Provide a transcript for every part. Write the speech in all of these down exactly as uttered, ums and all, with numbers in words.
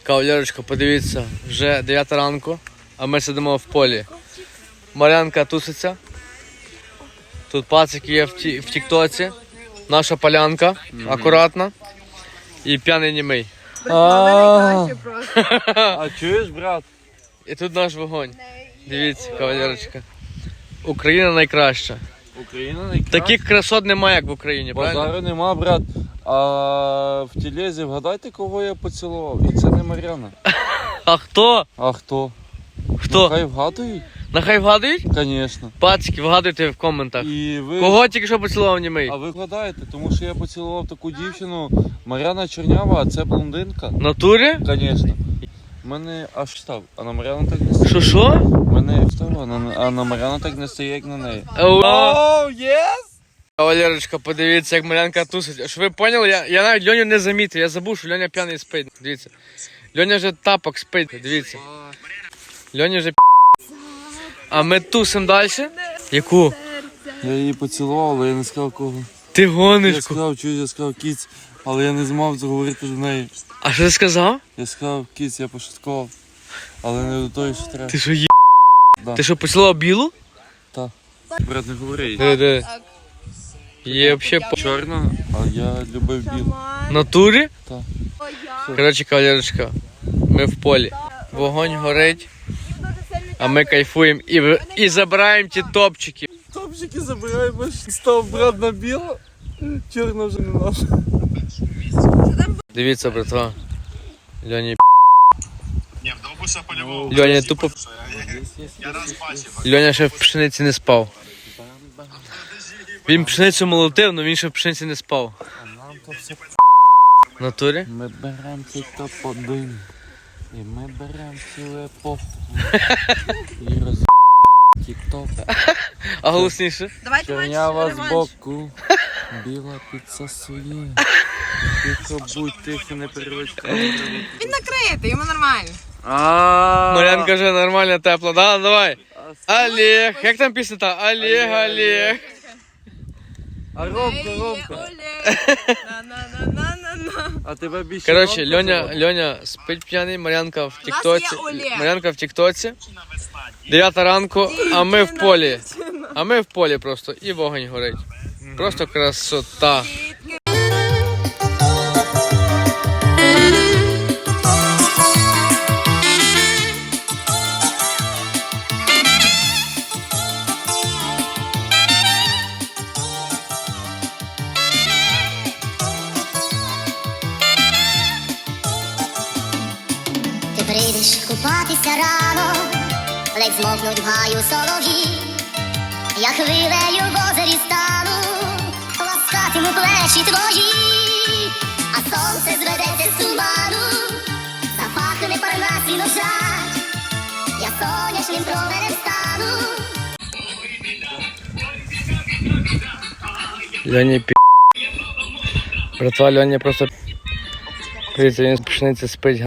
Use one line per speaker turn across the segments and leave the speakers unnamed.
Кавалерочка, подивіться, вже дев'ята ранку, а ми сидимо в полі. Мар'янка туситься. Тут пацики є в, ті, в тіктоці. Наша полянка, mm-hmm. акуратна. І п'яний німий.
А
чуєш, брат?
І тут наш вогонь. Дивіться, кавалерочка. Україна найкраща.
Україна найкраща?
Таких красот немає, як в Україні, правильно?
Базару нема, брат. А в телезі вгадайте, кого я поцілував. І це не Мар'яна.
А хто?
А хто?
Хто?
Хай вгадують?
Нехай вгадують?
Звісно.
Пацики, вгадуйте в коментах.
І ви...
Кого тільки що поцілував німий?
А ви вгадаєте, тому що я поцілував таку дівчину, Мар'яна Чернява, а це блондинка.
В натурі?
Звісно. У мене аж став, а на Мар'яну так не стає.
Що, що?
У мене встав, а на, а на Мар'яну так не стає, як на неї.
Оу,
єс!
Кавалерочка, подивіться, як Мар'янка тусить. Що ви поняли? Я, я навіть Льоню не замітив, я забув, що Льоня п'яний спить. Дивіться. Льоня вже тапок спить, дивіться. Льоня вже пі***. А ми тусимо далі. Яку?
Я її поцілував, але я не сказав кого.
Ти гониш.
Я сказав, чуєш, я сказав кіць, але я не змав заговорити до неї.
А що ти сказав?
Я сказав кіць, я пошуткував, але не до того, що треба.
Ти що є?
Да.
Ти що, поцілував білу?
Так. Брат, не говори.
Де, де? Є взагалі по...
Чорна, а я любив білу.
В натурі?
Так.
Коротше, кавалерочка, ми в полі. Вогонь горить, а ми кайфуємо і, і забираємо ті топчики.
Топчики забираємо, став брат на біло, чорна вже не наша.
Дивіться, братва. Льоні
Не, в Довбуша по-любому.
Льоня тупо...
Я раз бачив.
Льоня ще в пшениці не спав. Він пшеницю молотив, але він ще в пшениці не спав. В натурі?
Ми беремо цей топ-один, і ми беремо цю епоху, і роз... тік-ток.
А голосніше?
Чернява збоку, біла підсасує. Тихо будь, тихо, не переводь камеру.
Він накритий, йому нормально.
Мар'ян каже, нормально, тепло. Да, давай. Олег. Як там пісня та? Олег, Олег.
А Ромка, Ромка.
На-на-на-на-на-на.
А тебе більше
Коротше,
Ромка
Льоня,
звати?
Льоня спить п'яний, Мар'янка в тіктоці.
є Олег.
Мар'янка в тіктоці. Дев'ята ранку, а ми в полі. А ми в полі просто. І вогонь горить. Просто красота.
Ти прийдеш купатися рано, ледь змокнуть в гаю солов'ї. Я хвилею в озері стану, ласкатиму плечі твої, а сонце зведеться з туману, запахне парнас і ножа, я сонячним променем стану.
Льоні пі... Братва, Льоня просто... Дивіться, він з пшениці спить.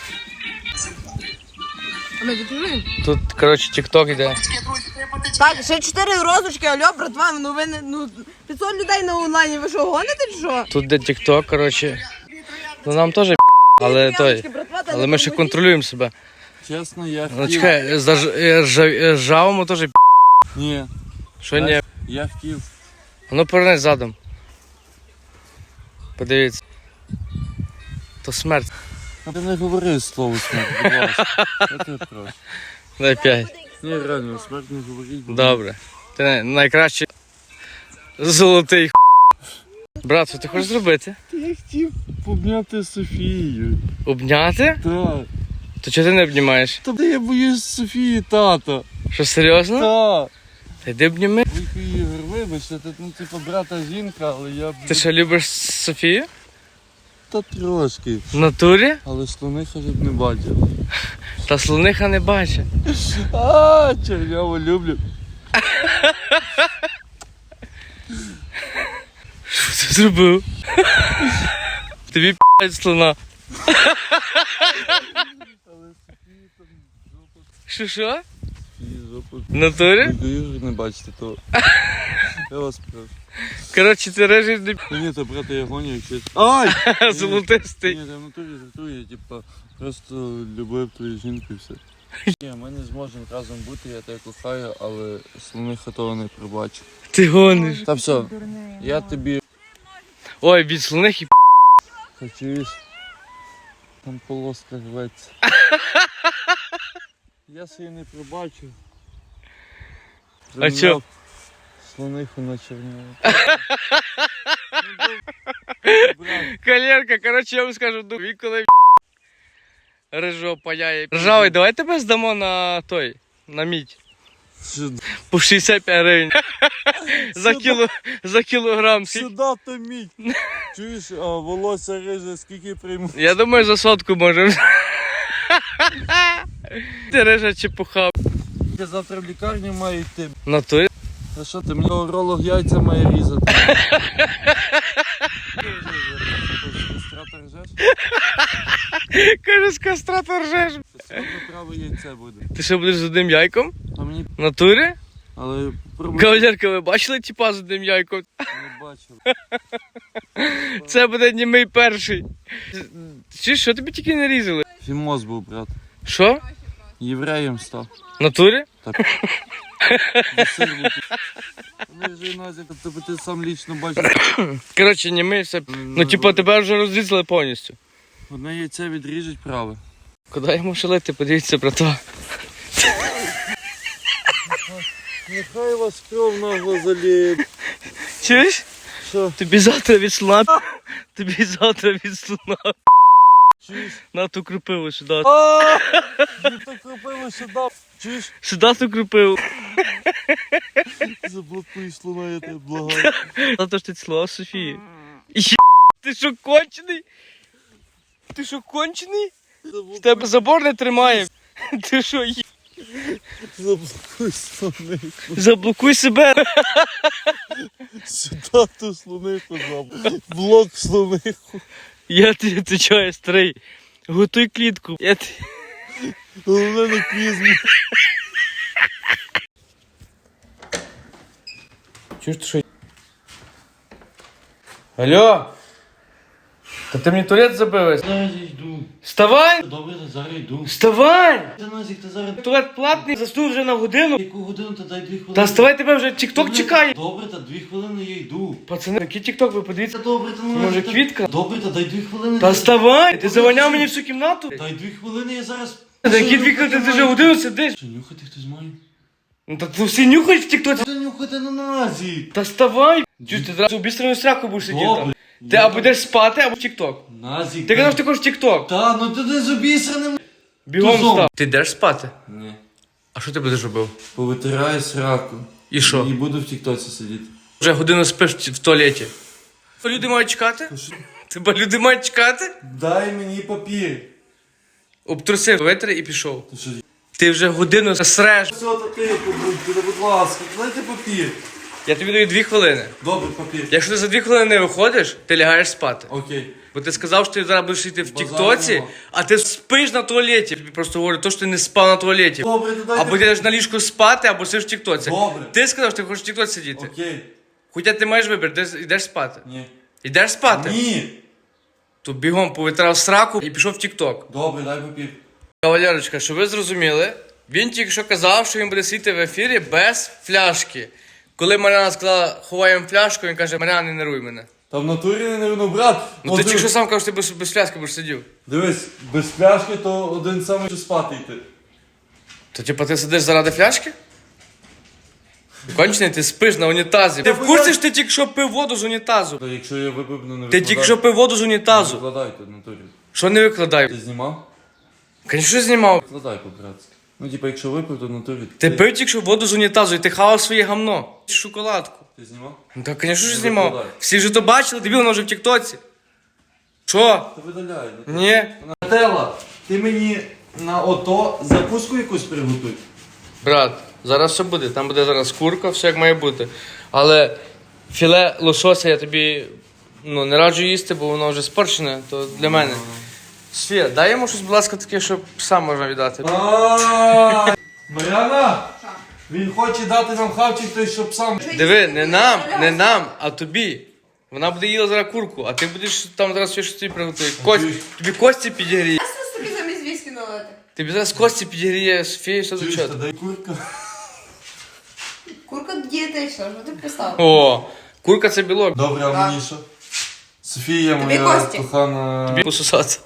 А ми відповіли?
Тут, коротше, тік-ток йде.
Так, ще чотири розочки, алло, братва, ну ви не, ну, п'ятсот людей на онлайні, ви що, гоните чи що?
Тут де тік-ток, коротше. Ну нам теж але той. Але ми ще контролюємо себе.
Чесно, я
Ну
хотів...
чекай, за ж- е, ржа- е, ржавому теж
Ні,
що ні.
я хотів...
Ну повернись задом. Подивіться. То смерть.
А ти не говори слово смерть, будь ласка. Я тебе прошу.
Дай п'ять.
Ні, реально, смерть не говоріть. будь
Добре. Ти най- найкращий золотий х**. Брат, що ти хочеш зробити?
Я хотів обняти Софію.
Обняти?
Так.
То чого ти не обнімаєш?
Та я боюсь Софії, тата.
Що, серйозно?
Так.
Та йди обніми.
Вуйко Ігор, вибачте, ти, ну, типу, брата жінка, але я б...
Ти що, любиш Софію?
Та трошки.
В натурі?
Але слониха ж б не бачив.
Та слониха не бачить.
А, черняву люблю.
Що ти зробив? Тобі п***ять слона. Що, що? В натурі?
Вуйко Ігор не бачите, то... Я вас прошу.
Коротше, ти режеш не
Та ні, то брата я гоню, якщо... Ай!
золотистий.
Ні, я в натурі жартую, типа, Просто любив твою жінку і все. Ні, ми не зможемо разом бути, я тебе кохаю, але слониха того не пробачу.
Ти гониш.
Та все, я тобі
Ой, від слоних і
хочу, там полоска рветься. Я собі не пробачу.
А чо?
Слониху на черняву.
Калерка, коротше, я вам скажу, ну, він коли рижо паяє. Ржавий, давай тебе здамо на той, на мідь. По шістдесят п'ять гривень. За, кіло, за кілограм. Скільки?
Сюди то мідь. Чуєш, а волосся риже, скільки прийму?
Я думаю, за сотку можемо. Ти рижа чепуха.
Я завтра в лікарню маю йти.
На той?
А що ти, мені уролог яйця має різати? Кастратор ржеш?
Каже, з кастратор ржеш.
Сьогодні праве яйце буде.
Ти що будеш з одним яйком?
А мені,
В натурі?
але пробуй,
Кавалерка, ви бачили тіпа з одним яйком?
не бачив.
Це буде німий перший. Чи що тобі тільки не різали?
Фімоз був, брат.
Що?
Євреєм став.
В натурі?
Сир був. Вони вже Назік, тобто ти сам лічно бачиш.
Коротше, німий все. Ну, типу, тебе вже розрізали повністю.
Одне яйце відріжуть праве.
Куди йому шалити? Подивіться, брата.
Нехай вас кров нагло заліє.
Чуєш?
Що?
Тобі завтра від слона. Тобі завтра від слона.
Чуєш?
На ту крупиву сюди.
Ааа! Ти так робила, що дав. Чуєш?
Сюди ту крупиву.
Заблокуй слона, я тебе благаю.
Завтра ж ти цілував Софії. Є, ти що, кончений? Ти що, кончений? В тебе забор не тримає. Ти що, є?
Заблокуй слониху.
Заблокуй себе.
Сюди ту слониху заб. Блок слониху.
Я тобі відповідаю, старий. Готуй клітку. Я тобі...
Головне на клізму.
Чуєш, ти що? Алло? Та ти мені туалет забилась?
Зараз я йду.
Вставай!
Добре, та зараз йду.
Вставай!
Та Назік, ти зараз...
Туалет платний, заснув вже на годину.
Яку годину, та дай дві хвилини.
Та вставай, тебе вже тік-ток чекає.
Добре, та дві хвилини я йду.
Пацани, який тік-ток, ви подивіться.
Та добре, та Назік,
Може,
та-
квітка?
Добре, та дай дві хвилини.
Та вставай! Ти заваняв мені всю кімнату?
Дай дві хвилини, я зараз...
Та які дві хвилини, ти вже годину сидиш?
Що, нюхати хтось має?
Ну та ти всі нюхаєш в тік-тоці.
Та нюхати на Назік.
Та вставай! Чуєш, ти зразу обістрену сраку будеш сидіти.
Добре.
Ти або йдеш спати, або в тік-ток.
Назік.
Ти казав, що ти хочеш в тік-ток.
Та, ну ти не з обісраним.
Бігом
Тузом.
встав. Ти йдеш спати?
Ні.
А що ти будеш робив?
Повитираю сраку.
І що?
І буду в тіктоці сидіти.
Вже годину спиш в в туалеті. То люди мають чекати? Тебе люди мають чекати?
Дай мені папір.
Обтрусив, витри і пішов.
Ти що?
Ти вже годину среш.
Все, та ти, будь, будь ласка, дайте папір.
Я тобі даю дві хвилини.
Добре, папір.
Якщо ти за дві хвилини не виходиш, ти лягаєш спати.
Окей.
Бо ти сказав, що ти зараз будеш йти в
Базару
тіктоці,
нема.
а ти спиш на туалеті. Я тобі просто говорю, то, що ти не спав на туалеті.
Добре, то дайте...
Або ти йдеш на ліжку спати, або сидиш в тіктоці.
Добре.
Ти сказав, що ти хочеш в тіктоці сидіти.
Окей.
Хоча ти маєш вибір, ти йдеш спати.
Ні.
Йдеш спати?
Ні.
То бігом повитрав сраку і пішов в тікток.
Добре, дай папір.
Кавалерочка, щоб ви зрозуміли, він тільки що казав, що він буде сидіти в ефірі без фляшки. Коли Мар'яна сказала, ховаємо фляжку, він каже, Мар'яна, не нервуй мене.
Та в натурі не нервно, брат.
Ну
От
ти
див-
тільки що сам кажеш, що ти без, без фляжки будеш сидів.
Дивись, без пляшки то один самий що спати йти.
То типа ти сидиш заради фляжки? Кончений, ти спиш на унітазі. Ти в
Та
курсі,
я-
що ти тільки що пив воду з унітазу?
Та якщо я випив, ну не
Ти тільки що пив воду з унітазу.
Викладай тут в натурі.
Що не викладай?
Ти знімав?
Звісно, знімав.
Викладай по-братськи. Ну, типа, якщо випив, то в натурі.
Ти пив тільки що воду з унітазу і ти хавав своє гамно. Шоколадку.
Ти знімав?
Ну так, звісно, що
Не
знімав.
викладай.
Всі вже то бачили, дебіл, воно вже в тіктоці. Що?
Та видаляй.
Ні.
Нателла, ти мені на ото закуску якусь приготуй.
Брат, зараз все буде. Там буде зараз курка, все як має бути. Але філе лосося я тобі ну, не раджу їсти, бо воно вже спорчене, то для мене. Софія, дай йому щось, будь ласка, таке, щоб пса можна віддати.
Ааа! Мар'яна! Він хоче дати нам хавчик, той, щоб сам.
Диви, не нам, не нам, а тобі. Вона буде їла зараз курку, а ти будеш там зараз ще щось тобі приготувати. Кость, тобі кості підігріє.
Я собі замість віскі налити.
Ти зараз Кості підігріє Софію, що за
Чуєш,
чого?
та дай курка.
Курка дієтична, що ти писав?
О, курка це білок.
Добре, а
Так.
мені що? Софія,
Тобі
моя
Кості.
кохана.
Тобі пососати.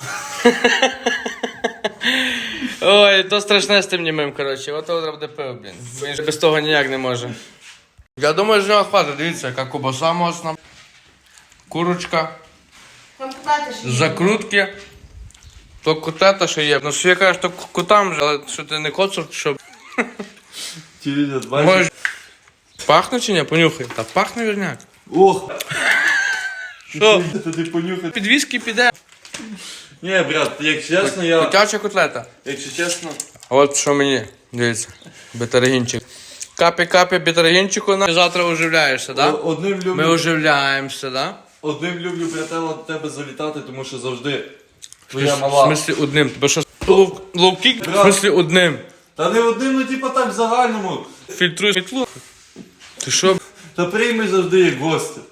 Ой, то страшне з тим німим, коротше. Ото треба буде пиво, блін. Він ж без того ніяк не може. Я думаю, що його хватить. Дивіться, яка кубаса мощна. Курочка.
Там купати ж.
Закрутки. То котета, що є. Ну, що я кажу, то котам же, але що ти не коцур, що...
Чуєш, бачиш?
Можеш... Пахне чи ні? Понюхай. Та пахне вірняк.
Ох!
Що?
Та ти понюхай.
Під віскі піде.
Ні, брат, якщо чесно, я...
Котяча котлета.
Якщо чесно...
От що мені, дивіться, бетаргінчик. Капі-капі бетаргінчику, на завтра оживляєшся,
о-
да?
Одним
Ми
люблю...
оживляємося, да?
Одним люблю, братела, до тебе залітати, тому що завжди твоя
В
мала...
смислі одним. Тебе що, лов- ловкік? В
Брат.
смислі одним.
Та не одним, ну типа так в загальному.
Фільтруй світло. Ти що?
Та прийми завжди як гостя.